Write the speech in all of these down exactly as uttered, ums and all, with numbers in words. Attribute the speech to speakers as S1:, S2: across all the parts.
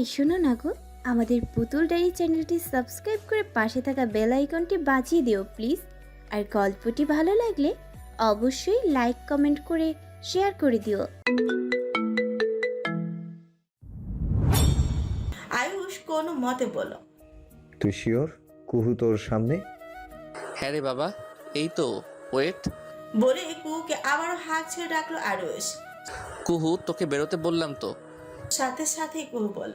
S1: এই শোনো না গো, আমাদের পুতুল ডায়েরি চ্যানেলটি সাবস্ক্রাইব করে পাশে থাকা বেল আইকনটি বাজিয়ে দিও প্লিজ। আর গল্পটি ভালো লাগলে অবশ্যই লাইক কমেন্ট করে শেয়ার করে দিও।
S2: আয়ুষ কোনো মতে বলল,
S3: তুই শিওর কুহু তোর সামনে?
S4: হ্যাঁ রে বাবা, এই তো। ওয়েট।
S2: বলে কুহুকে আবারও হাত ছেড়ে ডাকলো আয়ুষ।
S4: কুহু, তোকে বেরোতে বললাম তো।
S2: সাথে সাথে কুহু বলল,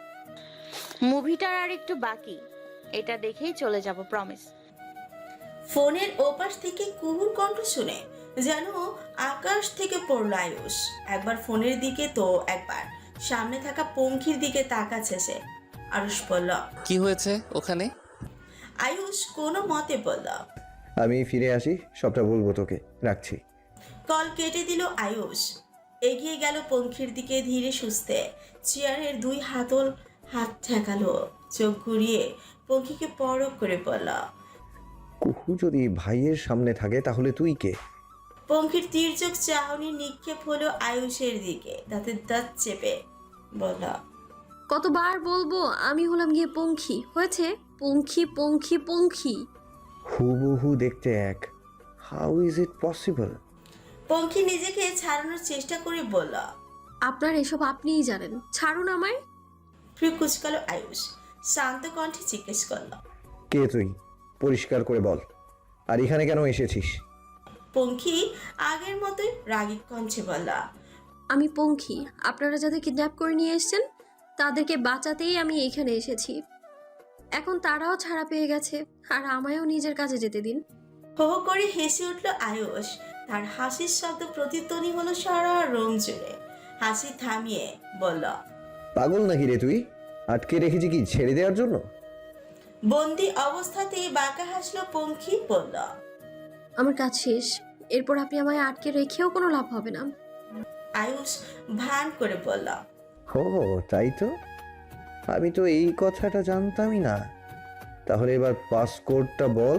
S5: মুভিটার আর একটু বাকি, এটা দেখেই চলে যাব, প্রমিস।
S2: ফোনের ওপাশ থেকে কুহুর কণ্ঠ শুনে যেন আকাশ থেকে পড়লো আয়ুষ। একবার ফোনের দিকে তো একবার সামনে থাকা পঙ্খির দিকে তাকাচ্ছে সে। আয়ুষ বলল,
S4: কি হয়েছে ওখানে?
S2: আয়ুষ কোনো মতে বলল,
S3: আমি ফিরে আসি, সবটা বলবো তোকে, রাখছি।
S2: কল কেটে দিল আয়ুষ। এগিয়ে গেল পঙ্খির দিকে ধীরে সুস্থে। চেয়ারের দুই হাতল হাত ঠেকালো, চোখ ঘুরিয়ে পঙ্খিকে পরখ করে বলল,
S3: কুহু যদি ভাইয়ের সামনে থাকে তাহলে তুই কে?
S2: পঙ্খির তীর্যক চাহনি নিক্ষেপ হলো আয়ুষের দিকে, তাতে দাঁত চেপে বলল,
S6: কতবার বলবো আমি হলাম গিয়ে পঙ্খী, হয়েছে? পঙ্খী পঙ্খী পঙ্খী।
S3: হুবহু দেখতে এক, how is it possible?
S2: Pankhi নিজেকে ছাড়ানোর চেষ্টা করে বলল।
S6: আপনার এসব আপনিই জানেন, ছাড়ুন আমায়।
S2: ফ্রি কুচকালো আয়ুষ, শান্ত কণ্ঠে জিজ্ঞেস করল,
S3: কে তুই? পরিষ্কার করে বল। আর এখানে কেন এসেছিস?
S2: পঙ্খি আগের মতোই রাগী কণ্ঠে বলল,
S6: আমি পঙ্খী, আপনারা যাদের কিডন্যাপ করে নিয়ে এসেছেন তাদেরকে বাঁচাতেই আমি এখানে এসেছি। এখন তারাও ছাড়া পেয়ে গেছে, আর আমায়ও নিজের কাছে যেতে দিন।
S2: হো হো করে হেসে উঠল আয়ুষ। তার হাসির শব্দ প্রতিধ্বনি হলো সারা রুম জুড়ে। হাসি থামিয়ে বলল,
S3: পাগল নাকি রে তুই? আটকে রেখেছি কি ছেড়ে দেওয়ার জন্য?
S2: বন্দি অবস্থাতেই বাঁকা হাসলো পঙ্খি, বলল,
S6: আমার কাজ শেষ, এরপর আপনি আমায় আটকে রেখেও কোনো লাভ হবে না।
S2: আয়ুষ ভান করে বলল,
S3: ও তাই তো, আমি তো এই কথাটা জানতামই না। তাহলে এবার পাসকোডটা বল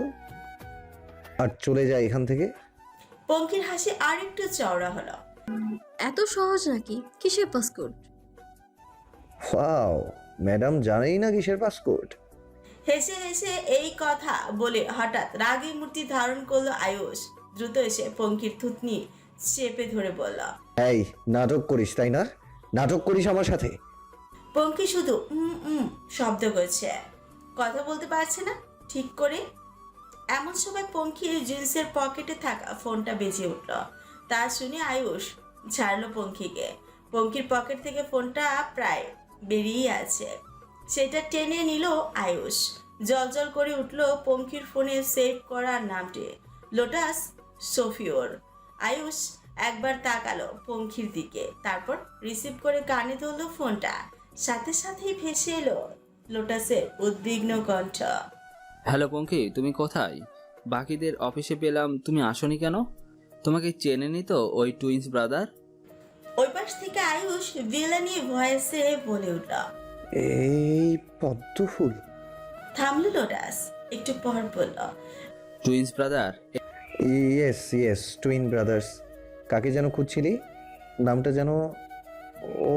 S3: আর চলে যায় এখান থেকে।
S2: পঙ্খির হাসি আরেকটু চওড়া হলো।
S6: এত সহজ নাকি? কিসের পাসপোর্ট?
S3: ওয়াও, ম্যাডাম জানেই না কিসের পাসকোড।
S2: হেসে হেসে এই কথা বলে হঠাৎ রাগী মূর্তি ধারণ করলো আয়ুষ। দ্রুত এসে পঙ্খির থুতনি চেপে ধরে বলল,
S3: এই নাটক করিস তাই না? নাটক করিস আমার সাথে?
S2: পঙ্খি শুধু উম উম শব্দ করছে, কথা বলতে পারছে না ঠিক করে। এমন সময় পঙ্খির জিন্সের পকেটে থাকা ফোনটা বেজে উঠল। তা শুনে আয়ুষ ছাড়লো পঙ্খিকে। পঙ্খির পকেট থেকে ফোনটা প্রায় বেরিয়ে আছে, সেটা টেনে নিল আয়ুষ। জলজল করে উঠল পঙ্খির ফোনে সেভ করার নামটি, লোটাস সোফিওর। আয়ুষ একবার তাকালো পঙ্খির দিকে, তারপর রিসিভ করে কানে ধরলো ফোনটা। সাথে সাথেই ভেসে এলো লোটাসের উদ্বিগ্ন কণ্ঠ।
S7: হ্যালো পঙ্খী, তুমি কোথায়? বাকিদের অফিসে পেলাম, তুমি আসোনি কেন? তোমাকে চেনেনি তো ওই টুইন্স ব্রাদার?
S2: ওই পাশ থেকে আয়ুষ ভিলানি ভয়েসে বলে উঠল।
S3: এই পদ্ম ফুল।
S2: থামলো লোটাস, একটু পর বলল,
S7: twins brother?
S3: Yes yes, twin brothers. কাকে যেন খুঁজছিলি? নামটা যেন, ও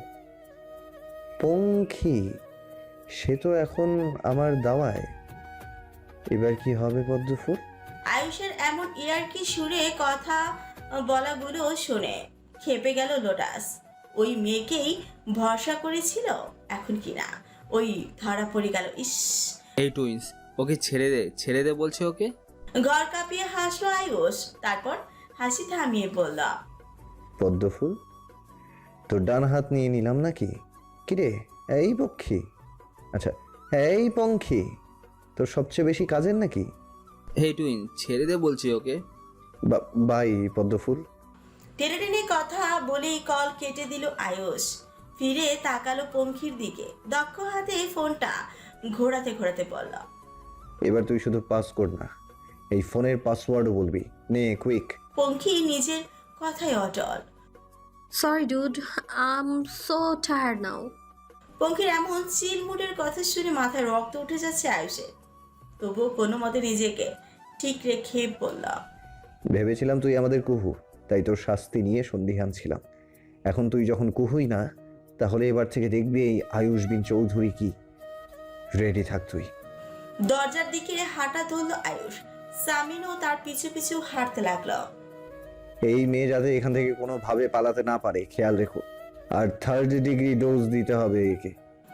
S3: পঙ্খী। সে তো এখন আমার দাওয়ায়। এবার কি হবে পদ্ম ফুল?
S2: আয়ুষের এমন ইয়ার্কি সুরে কথা বলাগুলো শুনে খেপে গেল লোটাস। ওই মেয়েকেই ভরসা করেছিল, এখন কি না ওই ধরা পড়ে গেল। ইস,
S7: এই টুইন্স, ওকে ছেড়ে দে, ছেড়ে দে বলছে ওকে।
S2: ঘর কাঁপিয়ে হাসলো আয়ুষ, তারপর হাসি থামিয়ে বলল,
S3: পদ্ম ফুল, তোর ডান হাত নিয়ে নিলাম নাকি? কিরে এই পক্ষী, আচ্ছা এই পঙ্খী, তোর সবচেয়ে বেশি কাজের নাকি?
S7: হে টুইন, ছেড়ে দে বলছি ওকে।
S3: বাই পদ্ম ফুল।
S2: টেনে টেনে কথা বলেই কল কেটে দিল আয়ুষ। ফিরে তাকালো পঙ্খির দিকে, দক্ষ হাতে ফোনটা ঘোরাতে ঘোরাতে বলল,
S3: এবার তুই শুধু পাসকোড না, এই ফোনের পাসওয়ার্ডও বলবি, নে কুইক।
S2: পঙ্খি নিজের কথায় অটল।
S6: Sorry dude, I am so tired now.
S2: পঙ্খির এমন চিল মুডের কথা শুনে মাথায় রক্ত উঠে যাচ্ছে আয়ুষের। তবুও কোনো মতে নিজেকে ঠিক রেখে বলল,
S3: ভেবেছিলাম তুই আমাদের কুহু, তাই তোর শাস্তি নিয়ে সন্দিহান ছিলাম। এখন তুই যখন কুহুই না, তাহলে এবার থেকে দেখবি এই আয়ুষ বিন চৌধুরী কি। রেডি থাক তুই।
S2: দরজার দিকে হাঁটা ধরল আয়ুষ। সামিনও তার পিছু পিছু হাঁটতে লাগলো।
S3: এই মেয়ে যাতে এখান থেকে কোনোভাবে পালাতে না পারে খেয়াল রেখো। আর থার্ড ডিগ্রি ডোজ দিতে হবে একে।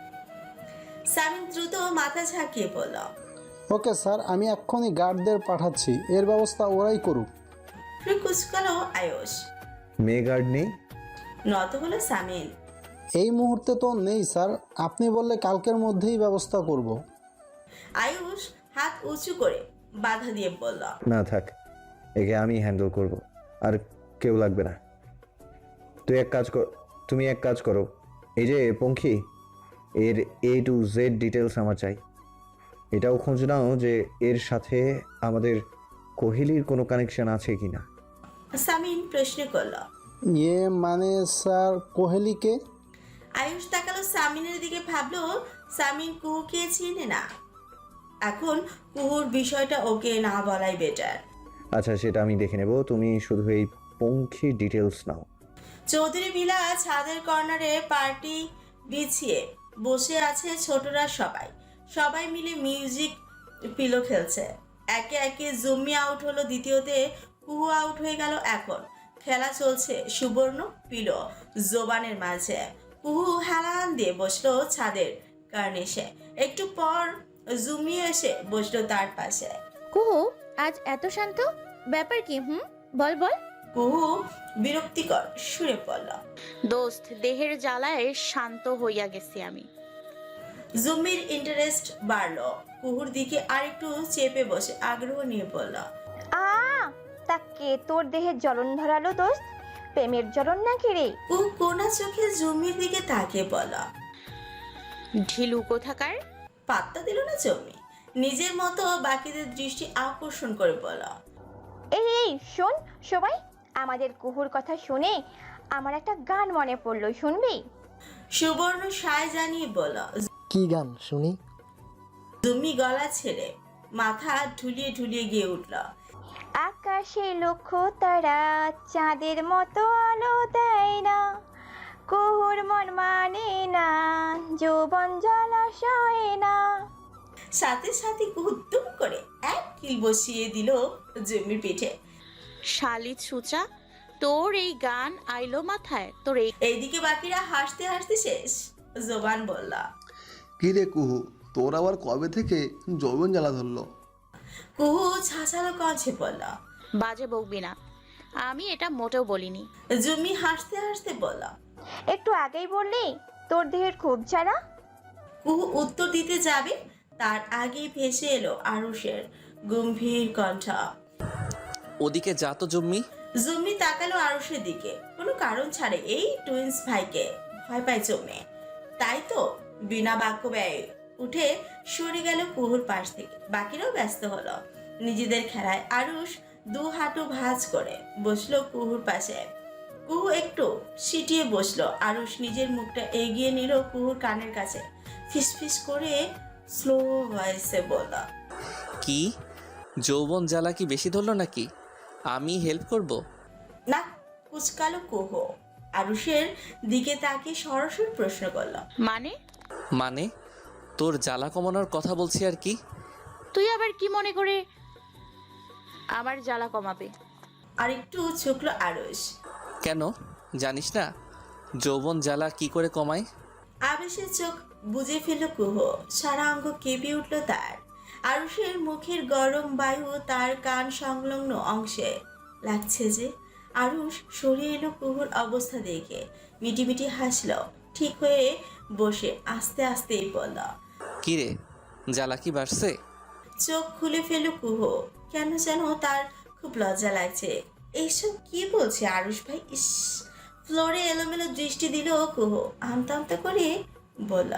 S2: সামিন দ্রুত মাথা ঝাঁকিয়ে বলল,
S8: ওকে স্যার, আমি এক্ষুনি গার্ডদের পাঠাচ্ছি, এর ব্যবস্থা ওরাই করুক।
S2: ফ্রি কুচকালো আয়ুষ।
S3: মেয়ে গার্ড নেই?
S2: নত হলো সামিন।
S8: এই মুহূর্তে তো নেই স্যার, আপনি বললে কালকের মধ্যেই ব্যবস্থা করব।
S2: আয়ুষ হাত উঁচু করে বাধা দিয়ে বলল,
S3: না থাক, একে আমি হ্যান্ডেল করব, আর কেউ লাগবে না। তুই এক কাজ কর তুমি এক কাজ করো, এই যে পঙ্খী, এর এ টু জেড ডিটেলস আমার চাই। এটাও খোঁজ নাও যে এর সাথে আমাদের কোহেলির কোনো কানেকশন আছে কিনা।
S2: সামিন প্রশ্ন করল।
S8: ইয়ে মানে স্যার, কোহেলিকে?
S2: আয়ুষ তাকালো সামিনের দিকে, ভাবলো সামিন কুহুকে চিনে না। এখন কুহুর বিষয়টা ওকে না বলাই বেটার।
S3: আচ্ছা, সেটা আমি দেখে নেব, তুমি শুধু এই পঙ্খী ডিটেলস নাও।
S2: চৌধুরী ভিলা ছাদের কর্নারে পার্টি বিছিয়ে বসে আছে ছোটরা সবাই। সবাই মিলে মিউজিক পিলো খেলছে। একে একে জুম্মি আউট হলো, দ্বিতীয়তে কুহু আউট হয়ে গেল। এখন খেলা চলছে সুবর্ণ পিলো জোবানের মাঝে। কুহু হেলান দিয়ে বসলো ছাদের কার্নিশে। একটু পর জুম্মি এসে বসলো তার পাশে।
S1: কুহু, আজ এত শান্ত, ব্যাপার কি? হুম, বল বল।
S2: কুহু বিরক্তিকর সুরে পড়ল,
S5: দোস্ত, দেহের জ্বালায় শান্ত হইয়া গেছি আমি।
S2: জুম্মির ইন্টারেস্ট বাড়লো। কুহুর দিকে আরেকটু চেপে বসে আগ্রহ নিয়ে বলল,
S9: আ তা কে তোর দেহে জ্বলন ধরালো দোস্ত? প্রেমের জ্বলন নাকি রে?
S2: কুহু কোনা চোখে জুম্মির দিকে তাকিয়ে বলল।
S5: ঢিলু কোথাকার।
S2: পাত্তা দিল না জুম্মি, নিজের মতো বাকিদের দৃষ্টি আকর্ষণ করে বলল,
S9: এই এই শোন সবাই, আমাদের কুহুর কথা শুনে আমার একটা গান মনে পড়লো, শুনবি?
S2: সুবর্ণ সায় জানিয়ে বলল।
S8: কি গান শুনি?
S2: জুম্মি গলা ছেড়ে মাথা ঢুলিয়ে ঢুলিয়ে গিয়ে উঠল।
S9: আকাশে লক্ষ তারা চাঁদের মতো আলো দেয় না, কুহুর মন মানে না, যৌবন জলাশয় না।
S2: সাথে সাথে কুহু দুম করে এক কিল বসিয়ে দিল জুম্মির পিঠে।
S5: শালি ছুচা, তোর এই গান আইলো মাথায়? তোর এই
S2: এইদিকে বাকিরা হাসতে হাসতে শেষ। জোবান বলল,
S10: কি রে কুহু, তোর আবার কবে থেকে যৌবন জ্বালা ধরলো?
S2: কুহু ছাছালো কঞ্চে বলল।
S5: বাজে বকবি না, আমি এটা মোটেও বলিনি।
S2: জুম্মি হাসতে হাসতে বলল,
S9: একটু আগেই বললি তোর দেহের খুব জ্বালা।
S2: কুহু উত্তর দিতে যাবে, তার আগেই ভেসে এলো আরুষের গম্ভীর কণ্ঠ।
S4: ওদিকে যা তো জম্মি।
S2: জুম্মি তাকালো আরুষের দিকে, কোনো কারণ ছাড়ে এই টুইন্স ভাইকে ভয় পায় জমে। তাই তো বিনা বাক্য ব্যয়ে উঠে সরে গেল কুহুর পাশ থেকে। বাকিরাও ব্যস্ত হলো নিজেদের খেলায়। আরুষ দু হাঁটু ভাঁজ করে বসলো কুহুর পাশে। কুহু একটু সিটিয়ে বসলো। আরুষ নিজের মুখটা এগিয়ে নিল কুহুর কানের কাছে, ফিসফিস করে স্লো ভয়েসে বলল,
S4: কি যৌবন জ্বালা কি বেশি ধরলো নাকি? আমি হেল্প করব?
S2: না। কুচকালো কুহু আরুষের দিকে তাকে সরাসরি প্রশ্ন করল,
S5: মানে?
S4: মানে তোর জ্বালা কমানোর কথা বলছি আর কি।
S5: তুই আবার কি মনে করে আমার জ্বালা কমাবে?
S2: আর একটু ঝুঁকলো আরুষ।
S4: কেন জানিস না যৌবন জ্বালা কি করে কমায়?
S2: আবেশের চোখ বুজে ফেলল কুহু, সারা অঙ্গ কেঁপে উঠল তার। আরুষের মুখের গরম বায়ু তার কান সংলগ্ন অংশে লাগছে যে। আরুষ সরিয়ে এলো কুহুর অবস্থা দেখে, মিটিমিটি হাসল। ঠিক হয়ে বসে আস্তে আস্তেই বলল,
S4: কি রে, জ্বালা কি বাড়ছে?
S2: চোখ খুলে ফেলল কুহু। কেন যেন তার খুব লজ্জা লাগছে। এইসব কি বলছে আরুষ ভাই? ইস! ফ্লোরে এলোমেলো দৃষ্টি দিল কুহু, আমতা আমতা করে বলল,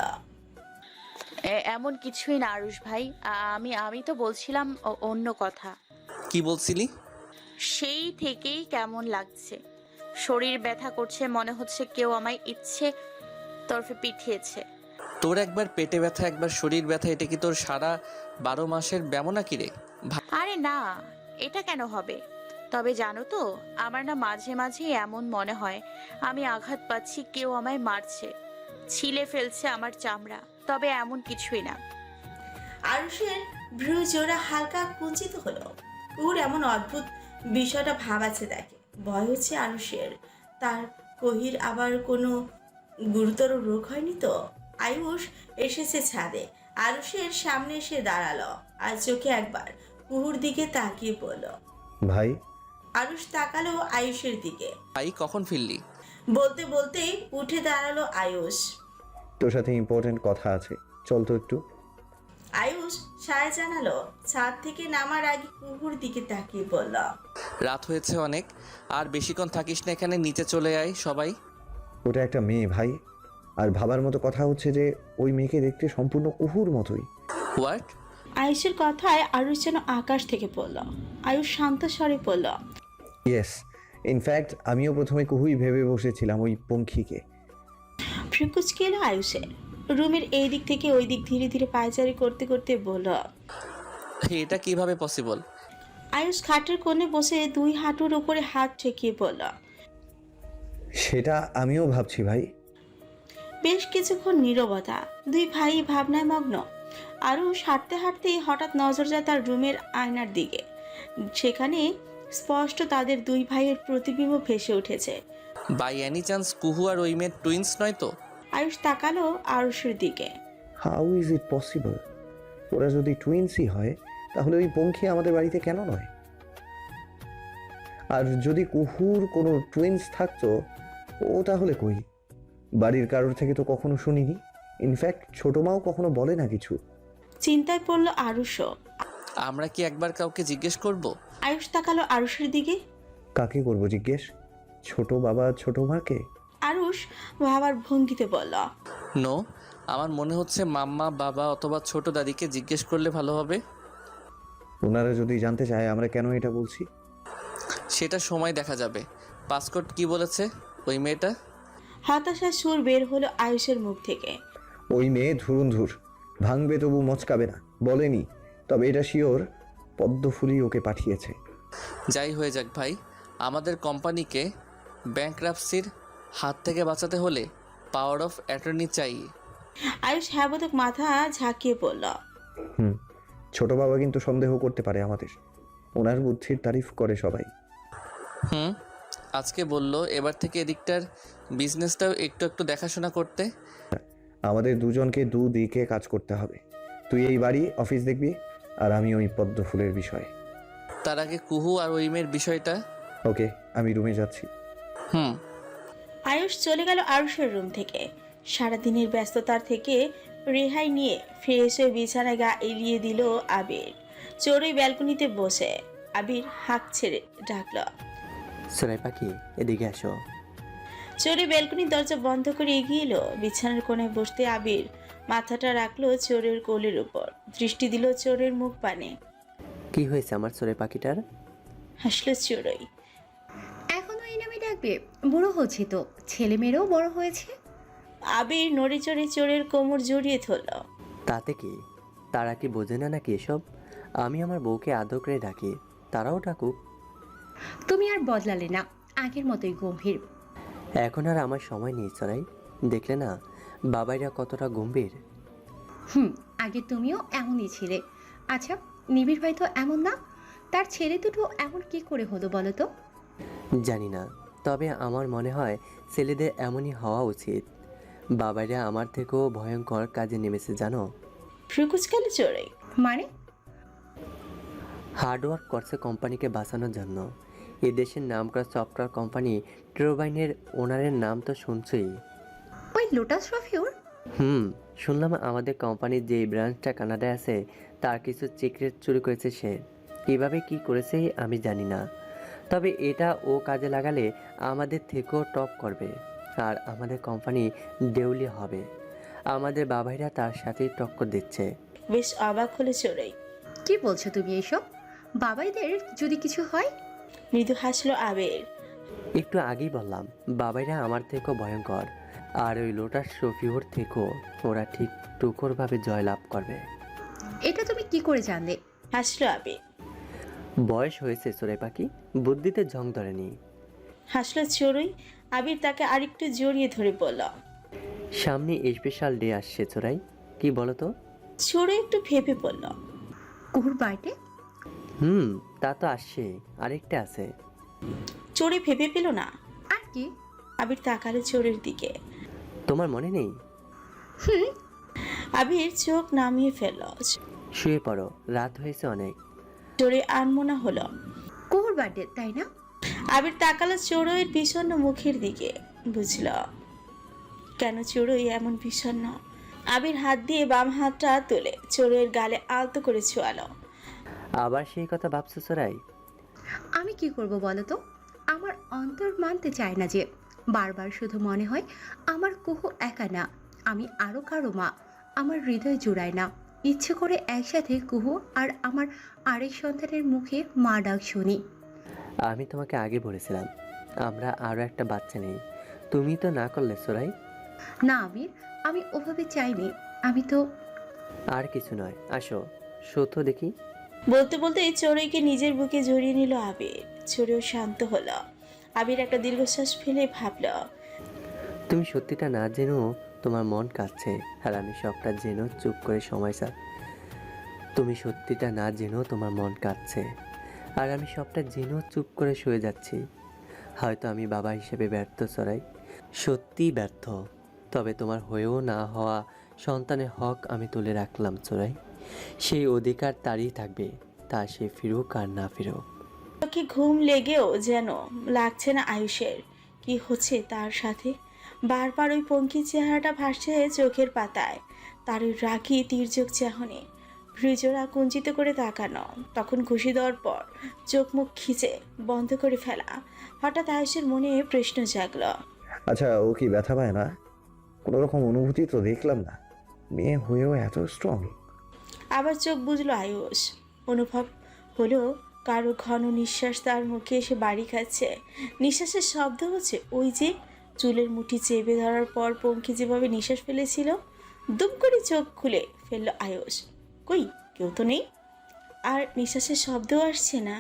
S5: এ- এমন কিছুই না আরুষ ভাই, আমি আমি তো বলছিলাম অ- অন্য কথা।
S4: কি বলছিলি?
S5: সেই থেকেই কেমন লাগছে, শরীর ব্যথা করছে, মনে হচ্ছে কেউ আমায় ইচ্ছে তরফে পিঠিয়েছে।
S4: তোর একবার পেটে ব্যথা একবার শরীর ব্যথা, এটা কি তোর সারা বারো মাসের ব্যামো নাকি রে?
S5: আরে না, এটা কেন হবে? তবে জানো তো, আমার না মাঝে মাঝে এমন মনে হয় আমি আঘাত পাচ্ছি, কেউ আমায় মারছে। ছিলে ফেলছে আমার চামড়া, তবে এমন কিছুই না।
S2: আরুষের ভ্রু জোড়া হালকা কুঞ্চিত হলো। কুহুর এমন অদ্ভুত বিষয়টা ভাবাচ্ছে দেখে ভয় হচ্ছে আরুষের। তার কহির আবার কোনো গুরুতর রোগ হয়নি তো? আয়ুষ এসেছে ছাদে, আরুষের সামনে এসে দাঁড়ালো আর চোখে একবার কুহুর দিকে তাকিয়ে পড়ল।
S3: ভাই,
S2: আরুষ তাকালো আয়ুষের দিকে।
S4: ভাই কখন ফিরলি?
S2: বলতে বলতেই উঠে দাঁড়ালো আয়ুষ।
S3: তোর সাথে ইম্পর্টেন্ট কথা আছে, চল তো একটু।
S2: আয়ুষ সায় জানালো। ছাদ থেকে নামার আগে কুহুর দিকে তাকিয়ে বলল,
S4: রাত হয়েছে অনেক, আর বেশিক্ষণ থাকিস না এখানে, নিচে চলে আয় সবাই।
S3: ওটা একটা মেয়ে ভাই, আর ভাবার মতো কথা হচ্ছে যে ওই মেয়েকে দেখতে সম্পূর্ণ কুহুর মতোই।
S4: হোয়াট?
S2: আয়ুষের কথায় আরুষ যেন আকাশ থেকে পড়ল। আয়ুষ শান্ত স্বরে পড়ল,
S3: ইয়েস, ইনফ্যাক্ট আমিও প্রথমে কুহুই ভেবে বসেছিলাম ওই পঙ্খিকে।
S2: ফ্রিকুচকে এলো আয়ুষের। রুমের এই দিক থেকে ওই দিক ধীরে ধীরে পায়চারি করতে করতে বলল,
S4: এটা কিভাবে পসিবল?
S2: আয়ুষ খাটের কোণে বসে দুই হাঁটুর উপরে হাত ঠেকিয়ে পড়ল।
S3: সেটা আমিও ভাবছি ভাই।
S2: বেশ কিছুক্ষণ নীরবতা, দুই ভাই ভাবনায় মগ্ন। আরুষ হাঁটতে হাঁটতেই হঠাৎ নজর যায় তার রুমের আয়নার দিকে। সেখানে স্পষ্ট তাদের দুই ভাইয়ের প্রতিবিম্ব ভেসে উঠেছে।
S4: বাই এনি চান্স কুহু আর ওই মেয়ের টুইন্স নয় তো?
S2: আয়ুষ তাকালো আরুষের দিকে।
S3: How is it possible? ওরা যদি টুইন্সই হয় তাহলে ওই পঙ্খী আমাদের বাড়িতে কেন নয়? আর যদি কুহুর কোনো টুইন্স থাকতো, ও তাহলে কই? বাড়ির কারোর থেকে তো কখনো শুনিনি। ইনফ্যাক্ট ছোট মাও কখনো বলে না কিছু।
S2: চিন্তায় পড়ল আরুষও।
S4: আমরা কি একবার কাউকে জিজ্ঞেস করব?
S2: আয়ুষ তাকালো আরুষের দিকে।
S3: কাকে করবো জিজ্ঞেস? ছোট বাবা ছোট মাকে?
S2: আরুষ ভাবার ভঙ্গিতে বলল,
S4: নো, আমার মনে হচ্ছে মাম্মা, বাবা অথবা ছোট দাদিকে জিজ্ঞেস করলে ভালো হবে।
S3: ওনারা যদি জানতে চায় আমরা কেন এটা বলছি,
S4: সেটা সময় দেখা যাবে। পাসকোড কি বলেছে ওই মেয়েটা?
S2: হতাশার সুর বের হলো আয়ুষের মুখ থেকে।
S3: ওই মেয়ে ধুরুন্ধুর, ভাঙবে তবু মচকাবে না বলেনি। তবে এটা শিওর পদ্মফুলি ওকে পাঠিয়েছে।
S4: যাই হয়ে যাক ভাই, আমাদের কোম্পানিকে ব্যাংকরাপসির হাত থেকে বাঁচাতে হলে পাওয়ার অফ অ্যাটর্নি চাই।
S2: আয়ুষ হ্যাবোধক মাথা ঝাঁকিয়ে পড়ল।
S3: হুম, ছোট বাবা কিন্তু সন্দেহ করতে পারে আমাদের। ওনার বুদ্ধির তারিফ করে সবাই।
S4: হুম, আজকে বললো এবার থেকে এদিকটার বিজনেসটাও একটু একটু দেখাশোনা করতে।
S3: আমাদের দুজনকে দুদিকে কাজ করতে হবে। তুই এই বাড়ি অফিস দেখবি, আর আমি ওই পদ্মফুলের বিষয়।
S4: তার আগে কুহু আর ওই মেয়ের বিষয়টা।
S3: ওকে, আমি রুমে যাচ্ছি।
S4: হুম।
S2: আয়ুষ চলে গেল আরুষের রুম থেকে। সারাদিনের ব্যস্ততার থেকে রেহাই নিয়ে ফ্রেশ হয়ে বিছানায় গা এলিয়ে দিল আবির। চড়ুই ব্যালকনিতে বসে আবির হাঁক ছেড়ে ডাকল,
S11: সোনাই পাখি এদিকে আসো।
S2: চড়ুই ব্যালকনির দরজা বন্ধ করে এগিয়ে এলো। বিছানার কোণায় বসতে আবির মাথাটা রাখলো চোরের কোলের উপর, দৃষ্টি দিল চোরের মুখ পানে।
S11: কি হয়েছে আমার সোনাই পাখিটার?
S2: হাসলো চড়ুই।
S12: এখনো এই নামে ডাকবে? বুড়ো হচ্ছে তো, ছেলে মেয়েরাও বড় হয়েছে।
S2: আবির নড়ে চড়ে চোরের কোমর জড়িয়ে ধরল।
S11: তাতে কি? তারা কি বোঝে না নাকি এসব? আমি আমার বউকে আদর করে ডাকি, তারাও ডাকুক।
S12: তুমি আর বদলালে না, আগের মতোই গম্ভীর।
S11: এখন আর আমার সময় নেই সোনাই, দেখলে না বাবাইরা কতটা গম্ভীর।
S12: হুম, আগে তুমিও এমনই ছিলে। আচ্ছা, নিবিড় ভাই তো এমন না, তার ছেলে দুটো এমন কি করে হলো বলো তো?
S11: জানি না, তবে আমার মনে হয় ছেলেদের এমনই হওয়া উচিত। বাবাইরা আমার থেকেও ভয়ঙ্কর কাজে নেমেছে জানো।
S2: ফ্রিকুচ গেল চড়ুই।
S12: মানে?
S11: হার্ডওয়ার্ক করছে কোম্পানিকে বাঁচানোর জন্য। এ দেশের নাম করা সফটওয়্যার কোম্পানি ট্রোবাইনের ওনারের নাম তো শুনছই।
S12: ওই লোটাস রফিউর?
S11: হুম, শুনলাম আমাদের কোম্পানির যে ব্রাঞ্চটা কানাডায় আছে তার কিছু সিক্রেট চুরি করেছে সে। কীভাবে কি করেছে আমি জানি না, তবে এটা ও কাজে লাগালে আমাদের থেকেও টপ করবে, আর আমাদের কোম্পানি দেউলি হবে। আমাদের বাবাইরা তার সাথেই টক্কর দিচ্ছে।
S2: বেশ অবাক হলে চড়ুই।
S12: কি বলছো তুমি এইসব? বাবাইদের যদি কিছু হয়?
S2: মৃদু হাসলো আবির।
S11: একটু আগেই বললাম বাবাইরা আমার থেকেও ভয়ঙ্কর, আর ওই লোটাস রফিউর থেকেও ওরা ঠিক টুকরভাবে জয়লাভ করবে।
S12: এটা তুমি কি করে জানলে?
S2: হাসলো আবির।
S11: বয়স হয়েছে সোরে পাখি, বুদ্ধিতে ঝং ধরেনি।
S2: হাসলো চড়ুই। আবির তাকে আরেকটু জড়িয়ে ধরে বলল,
S11: সামনে স্পেশাল ডে আসছে চোরাই, কি বলো তো?
S2: চোরে একটু ভেবে বলল।
S12: কুহুর বার্থডে?
S11: হুম, তা তো আসছে, আরেকটা আছে।
S2: চোরে ভেবে পেল না।
S12: আর কি?
S2: আবির তাকালো চোরের দিকে।
S11: তোমার মনে নেই?
S12: হুম।
S2: আবির চোখ নামিয়ে ফেলল।
S11: শুয়ে পড়ো, রাত হয়েছে অনেক।
S2: চোরে আনমনা হলো।
S12: কুহুর বার্থডে তাই না?
S2: আবির তাকালো চোরের বিষণ্ণ মুখের দিকে, বুঝল কেন চোরই এমন বিষণ্ণ। আবির হাত দিয়ে বাম হাতটা তুলে চোরের গালে আলতো করে ছোঁয়ালো।
S11: আবার সেই কথা ভাবছো চোরাই?
S12: আমি কি করব বলো তো? আমার অন্তর মানতে চায় না যে, বারবার শুধু মনে হয় আমার কুহু একা না, আমি আরও কারো মা। আমার হৃদয় জোড়ায় না, ইচ্ছে করে একসাথে কুহু আর আমার আরেক সন্তানের মুখে মা ডাক শুনি।
S11: আমি তোমাকে আগে বলেছিলাম আমরা আরও একটা বাচ্চা নেই, তুমি তো না করলে চোরাই।
S12: না আমির, আমি ওভাবে চাইনি। আমি তো
S11: আর কিছু নয়, আসো সত্য দেখি।
S2: বলতে বলতে চোরইকে নিজের বুকে জড়িয়ে নিল আবির। চোরেও শান্ত হলো। আবির একটা দীর্ঘশ্বাস ফেলে ভাবল,
S11: তুমি সত্যিটা না জেনেও তোমার মন কাঁদছে, আর আমি সবটা জেনেও চুপ করে সময় চাই। তুমি সত্যিটা না জেনেও তোমার মন কাঁদছে, আর আমি সবটা জেনেও চুপ করে শুয়ে যাচ্ছি। হয়তো আমি বাবা হিসেবে ব্যর্থ চোরাই, সত্যিই ব্যর্থ। তবে তোমার হয়েও না হওয়া সন্তানের হক আমি তুলে রাখলাম চোরাই। সেই অধিকার তারই থাকবে, তা সে ফিরুক আর না ফিরুক।
S2: চোখে ঘুম লেগেও যেন লাগছে না আয়ুষের। কি হচ্ছে তার সাথে? বারবার ওই পঙ্কি চেহারাটা ভাসছে চোখের পাতায়। তার ওই রাগি তীর্যক চাহনি, ভ্রিজরা কুঞ্চিত করে তাকানো, তখন ঘুষি দেওয়ার পর চোখ মুখ খিচে বন্ধ করে ফেলা। হঠাৎ আয়ুষের মনে প্রশ্ন জাগল।
S3: আচ্ছা, ও কি ব্যথা পায় না? কোনো রকম অনুভূতি তো দেখলাম না, মেয়ে হয়েও এত স্ট্রং।
S2: আবার চোখ বুঝলো আয়ুষ। অনুভব হলো কারো ঘন নিঃশ্বাস তার মুখে এসে বাড়ি খাচ্ছে। নিঃশ্বাসের শব্দ হচ্ছে ওই যে চুলের মুঠি চেপে ধরার পর পঙ্কি যেভাবে নিঃশ্বাস ফেলেছিল। দুম করে চোখ খুলে ফেলল আয়ুষ। কই, কেউ তো নেই, আর নিঃশ্বাসের শব্দও আসছে না।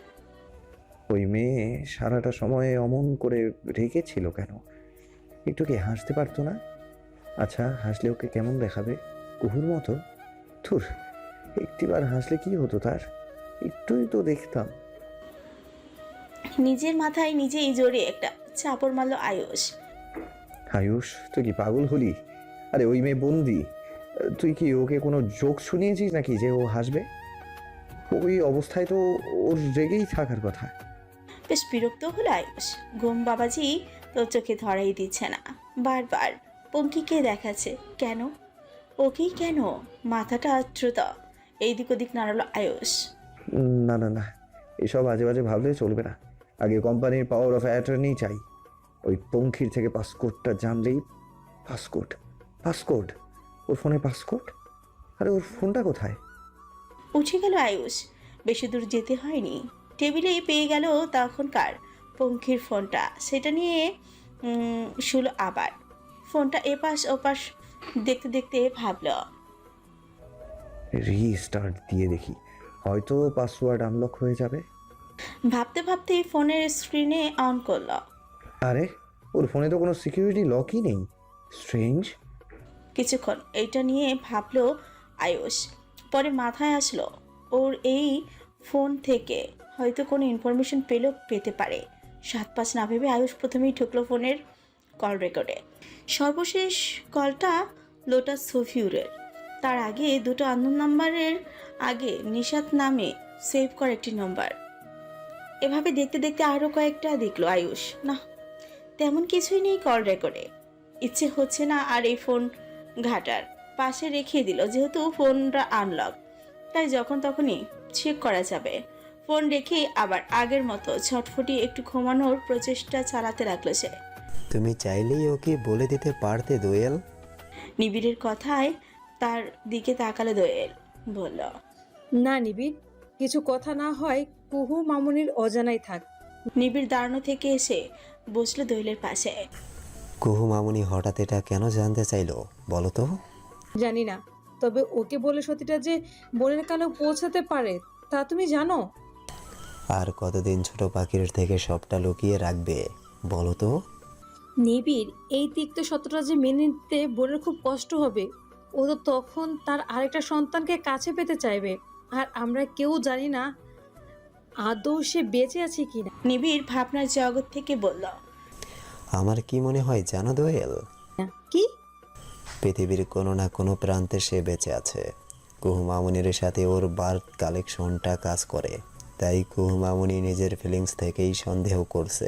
S3: ওই মেয়ে সারাটা সময় অমন করে রেখেছিল কেন? একটু কি হাসতে পারতো না? আচ্ছা, হাসলে ওকে কেমন দেখাবে? কুহুর মতো? থুর, একটিবার হাসলে কি হতো তার? একটুই তো দেখতাম।
S2: নিজের মাথায় নিজেই জোরে একটা চাপড় মারল আয়ুষ।
S3: আয়ুষ, তুই কি পাগল হলি? আরে ওই মেয়ে বন্দি, তুই কি ওকে কোনো জোক শুনিয়েছিস নাকি যে ও হাসবে? ওই অবস্থায় তো ওর রেগেই থাকার কথা।
S2: বেশ বিরক্ত হলো আয়ুষ। ঘুম বাবাজি তো চোখে ধরাই দিচ্ছে না, বারবার পঙ্কিকে দেখাচ্ছে। কেন? ওকেই কেন? মাথাটা দ্রুত এইদিক ওদিক নাড়ালো আয়ুষ।
S3: না না না, এসব আজে বাজে ভাবলে চলবে না। আগে কোম্পানির পাওয়ার অফ অ্যাটর্নি চাই। ওই পঙ্খির থেকে পাসকোডটা জানলেই। পাসকোড? পাসকোড? ওর ফোনে পাসকোড? আরে ওর ফোনটা কোথায়?
S2: উঠে গেল আয়ুষ। বেশি দূর যেতে হয়নি, টেবিলেই পেয়ে গেল তখনকার পঙ্খির ফোনটা। সেটা নিয়ে শুলো আবার। ফোনটা এপাশ ওপাশ দেখতে দেখতে ভাবল,
S3: রিস্টার্ট দিয়ে দেখি, হয়তো পাসওয়ার্ড আনলক হয়ে যাবে।
S2: ভাবতে ভাবতেই ফোনের স্ক্রিনে অন করল।
S3: আরে ওর ফোনে তো কোনো সিকিউরিটি লকই নেই। স্ট্রেঞ্জ।
S2: কিছুক্ষণ এইটা নিয়ে ভাবলো আয়ুষ। পরে মাথায় আসলো ওর এই ফোন থেকে হয়তো কোনো ইনফরমেশন পেলেও পেতে পারে। সাত পাঁচ না ভেবে আয়ুষ প্রথমেই ঢুকলো ফোনের কল রেকর্ডে। সর্বশেষ কলটা লোটাস সফিউরের। তার আগে দুটো আননোন নাম্বারের আগে নিশাত নামে সেভ করা একটি নম্বর। এভাবে দেখতে দেখতে আরও কয়েকটা দেখলো আয়ুষ। না, তেমন কিছুই নেই কল রেকর্ডে। ইচ্ছে হচ্ছে না আর এই ফোন ঘাটার, পাশে রেখে দিল। যেহেতু ফোনটা আনলক, তাই যখন তখনই চেক করা যাবে। ফোন রেখে আবার আগের মতো ছটফটি একটু ঘুমানোর প্রচেষ্টা চালাতে লাগলো সে।
S13: তুমি চাইলেই ওকে বলে দিতে পারতে দোয়েল।
S2: নিবিড়ের কথায় তার দিকে তাকালো দোয়েল, বলল,
S14: না নিবিড়, কিছু কথা না হয় কুহু মামুনির অজানাই থাক।
S2: নিবিড় দাঁড়ানো থেকে এসে বসলো দোয়েলের পাশে।
S13: কুহু মামুনি হঠাৎ এটা কেন জানতে চাইলো বলো তো?
S14: জানি না, তবে ওকে বলে সত্যিটা যে বোনের কানেও পৌঁছাতে পারে তা তুমি জানো?
S13: আর কতদিন ছোট পাখির থেকে সবটা লুকিয়ে রাখবে বলো তো?
S14: নিবিড়, এই তিক্ত সত্যটা যে মেনে নিতে বোনের খুব কষ্ট হবে। ও তো তখন তার আরেকটা সন্তানকে কাছে পেতে চাইবে, আর আমরা কেউ জানি না আদৌ সে বেঁচে আছে কিনা।
S2: নিবিড় ভাবনার জগৎ থেকে বলল,
S13: আমার কি মনে হয় জানো দোয়েল,
S14: কি?
S13: পৃথিবীর কোনো না কোনো প্রান্তে সে বেঁচে আছে। কুহু মামুনির সাথে ওর বার্থ কালেকশনটা কাজ করে, তাই কুহু মামুনি নিজের ফিলিংস থেকেই সন্দেহ করছে।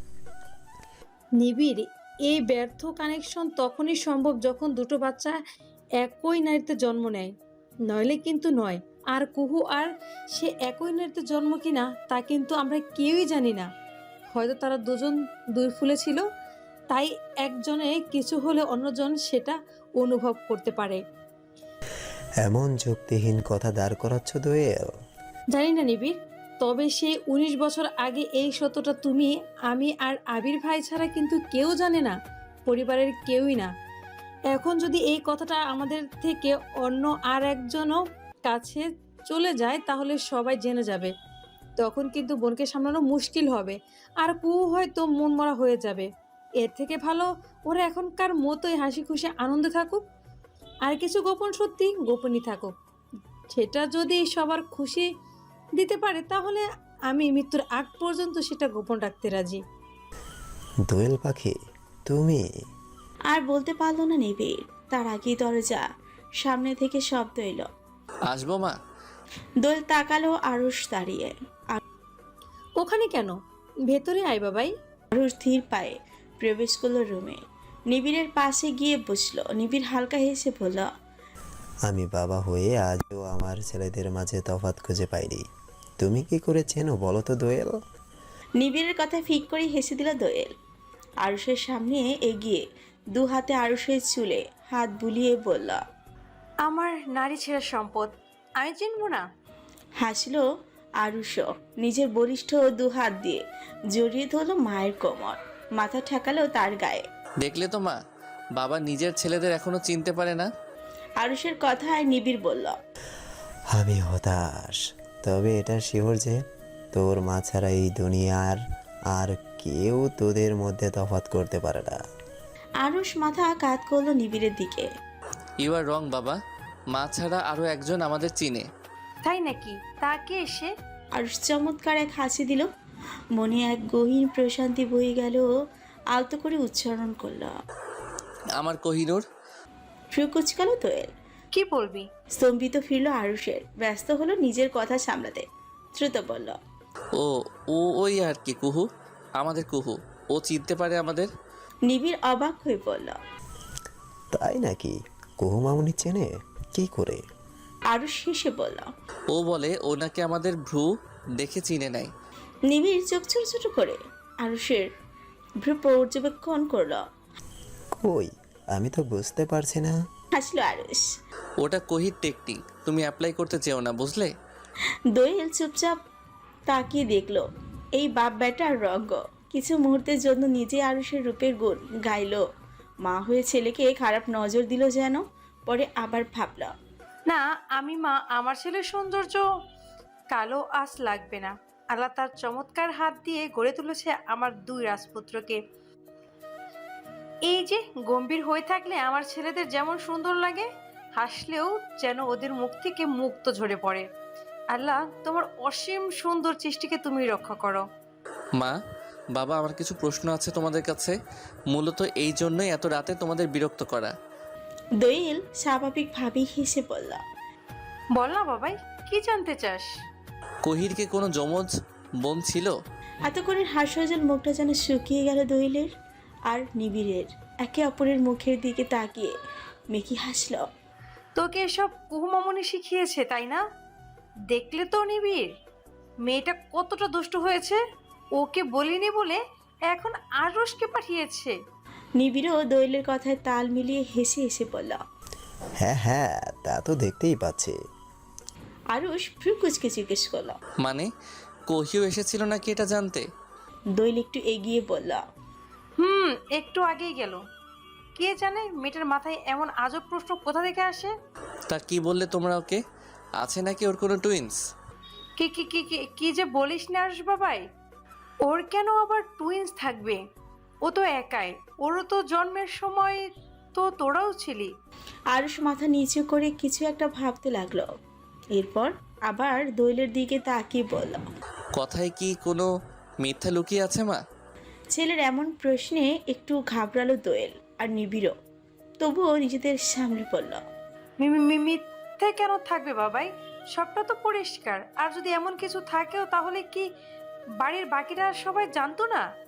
S14: নিবিড়, এই ব্যর্থ কানেকশন তখনই সম্ভব যখন দুটো বাচ্চা একই নারীতে জন্ম নেয়, নইলে কিন্তু নয়। আর কুহু আর সে একই নারীতে জন্ম কিনা তা কিন্তু আমরা কেউই জানি না। হয়তো তারা দুজন দুই ফুলে ছিল, তাই একজনে কিছু হলে অন্যজন সেটা অনুভব করতে পারে।
S13: এমন যুক্তিহীন কথা দাঁড় করাচ্ছ দোয়েল।
S14: জানি না নিবিড়, তবে সেই উনিশ বছর আগে এই সত্যটা তুমি, আমি আর আবির ভাই ছাড়া কিন্তু কেউ জানে না, পরিবারের কেউই না। এখন যদি এই কথাটা আমাদের থেকে অন্য আর একজনও কাছে চলে যায় তাহলে সবাই জেনে যাবে, তখন কিন্তু বোনকে সামলানো মুশকিল হবে, আর কুহু হয়তো মন মরা হয়ে যাবে। এর থেকে ভালো ওরা এখনকার মতোই হাসি খুশি আনন্দে থাকুক, আর কিছু গোপন সত্যি গোপনই থাকুক। সেটা যদি সবার খুশি দিতে পারে তাহলে আমি মৃত্যুর আগ পর্যন্ত সেটা গোপন রাখতে রাজি।
S13: দোয়েল পাখি তুমি।
S2: আর বলতে পারলো না নিবিড়, তার আগেই দরজা সামনে থেকে শব্দ এলো,
S4: আসবো মা?
S2: দোয়েল তাকালো আরুষ দাঁড়িয়ে।
S14: ওখানে কেন? ভেতরে আয় বাবাই।
S2: আরুষ ধীর পায়ে প্রবেশ করলো রুমে, নিবিড়ের পাশে গিয়ে বসলো। নিবিড় হালকা হেসে বলল,
S13: আমি বাবা হয়ে আজও আমার ছেলেদের মাঝে তফাৎ খুঁজে পাইনি। তুমি কি করে চেনো বলো তো দোয়েল?
S2: নিবিড়ের কথা ফিক করে হেসে দিল দোয়েল। আরুষের সামনে এগিয়ে দু হাতে আরুষের চুলে হাত বুলিয়ে বলল,
S5: আমার নারী ছেলের সম্পদ, আমি চিনবো না?
S2: হাসলো আরুষও, নিজের বলিষ্ঠ দু হাত দিয়ে জড়িয়ে ধরল মায়ের কোমর, মাথা ঠেকালো তার গায়ে।
S4: দেখলে তো মা, বাবা নিজের ছেলেদের এখনো চিনতে পারে না।
S2: আরুষের কথায় নিবিড় বলল,
S13: আমি হতাশ, তবে এটা শিওর যে তোর মা ছাড়া এই দুনিয়ার আর কেউ তোদের মধ্যে তফাৎ করতে পারে না।
S2: আরুষ মাথা কাত করলো নিবিড়ের দিকে।
S4: ইউ আর রং বাবা, মা ছাড়া আরও একজন আমাদের চিনে।
S5: তাই নাকি? তাকে এসে
S2: আরুষ চমৎকার এক হাসি দিল, মনে এক গহীন প্রশান্তি বয়ে গেল। আলতো করে উচ্চারণ করলো,
S4: আমার কোহিনুর।
S2: ফ্রু কুচকালো দোয়েল।
S5: কি বলবি?
S2: স্তম্ভিত ফিরল আরুষের, ব্যস্ত হলো নিজের কথা সামলাতে। দ্রুত বলল,
S4: ও ও ওই আর কি, কুহু, আমাদের কুহু। ও চিনতে পারে আমাদের।
S2: নিবিড় অবাক হয়ে বলল,
S13: তাই নাকি? কুহু মামুনি চেনে কি করে?
S2: আরুষ হেসে বলল,
S4: ও বলে ও নাকি আমাদের ভ্রু দেখে চিনে নাই।
S2: নিবিড় চোখ ছোট ছোট করে আরুষের ভ্রু পর্যবেক্ষণ করলো।
S13: কই, আমি তো বুঝতে পারছি না।
S2: হাসলো আরুষ।
S4: ওটা কোহির টেকনিক, তুমি অ্যাপ্লাই করতে চেও না, বুঝলে?
S2: দোয়েল চুপচাপ তাকিয়ে দেখলো এই বাপ বেটার রঙ্গ। কিছু মুহূর্তের জন্য নিজে আরুষের রূপের গুণ গাইলো, মা হয়ে ছেলেকে খারাপ নজর দিল যেন। পরে আবার ভাবল,
S5: না, আমি মা আমার ছেলের সৌন্দর্য কালো আঁচ লাগবে না। আল্লাহ তার চমৎকার হাত দিয়ে গড়ে তুলেছে আমার দুই রাজপুত্রকে। এই যে গম্ভীর হয়ে থাকলে আমার ছেলেদের যেমন সুন্দর লাগে, হাসলেও যেন ওদের মুখ থেকে মুক্ত ঝরে পড়ে। আল্লাহ তোমার অসীম সুন্দর সৃষ্টিকে তুমি রক্ষা করো।
S4: মা, বাবা, আমার কিছু প্রশ্ন আছে তোমাদের কাছে, মূলত এই জন্যই এত রাতে তোমাদের বিরক্ত করা।
S2: দোয়েল স্বাভাবিকভাবেই হেসে বলল,
S5: বল না বাবাই, কি জানতে চাস?
S4: কোহিরকে কোনো যমজ বোন ছিল?
S2: এত করে হাস্যজল মুখটা যেন শুকিয়ে গেল দোয়েলের আর নিবিড়ের। একে অপরের মুখের দিকে তাকিয়ে মেকি হাসল।
S5: তোকে এসব কুহুমামনি শিখিয়েছে তাই না? দেখলে তো নিবিড়, মেয়েটা কতটা দুষ্ট হয়েছে। ওকে বলিনি বলে এখন আরুষকে পাঠিয়েছে।
S2: নিবিড়ও দোয়েলের কথায় তাল মিলিয়ে হেসে হেসে বলল,
S13: হ্যাঁ হ্যাঁ, তা তো দেখতেই পাচ্ছি।
S2: আরুষ ভ্রু কুচকে জিজ্ঞেস করল,
S4: মানে কোহিও এসেছিল নাকি এটা জানতে?
S2: দোয়েল একটু এগিয়ে বলল,
S5: হুম, একটু আগেই গেল। কে জানে মেয়েটার মাথায় এমন আজব প্রশ্ন কোথা থেকে আসে।
S4: তা কি বললে তোমরা ওকে? আছে নাকি ওর কোনো টুইন্স?
S5: কি কি কি কি- কি যে বলিস না আরুষ বাবাই, ওর কেন আবার টুইন্স থাকবে? ও তো একাই, ওরও তো জন্মের সময় তো তোরাও ছিলি।
S2: আরুষ মাথা নিচু করে কিছু একটা ভাবতে লাগলো, এরপর আবার দোয়েলের দিকে তাকিয়ে বলল,
S4: কথায় কি কোনো মিথ্যা লুকিয়ে আছে মা?
S2: ছেলের এমন প্রশ্নে একটু ঘাবড়ালো দোয়েল আর নিবিড়ও, তবুও নিজেদের সামনে পড়ল।
S5: মি- মি- মিথ্যে কেন থাকবে বাবাই? সবটা তো পরিষ্কার। আর যদি এমন কিছু থাকেও তাহলে কি বাড়ির বাকিরা সবাই জানতো না?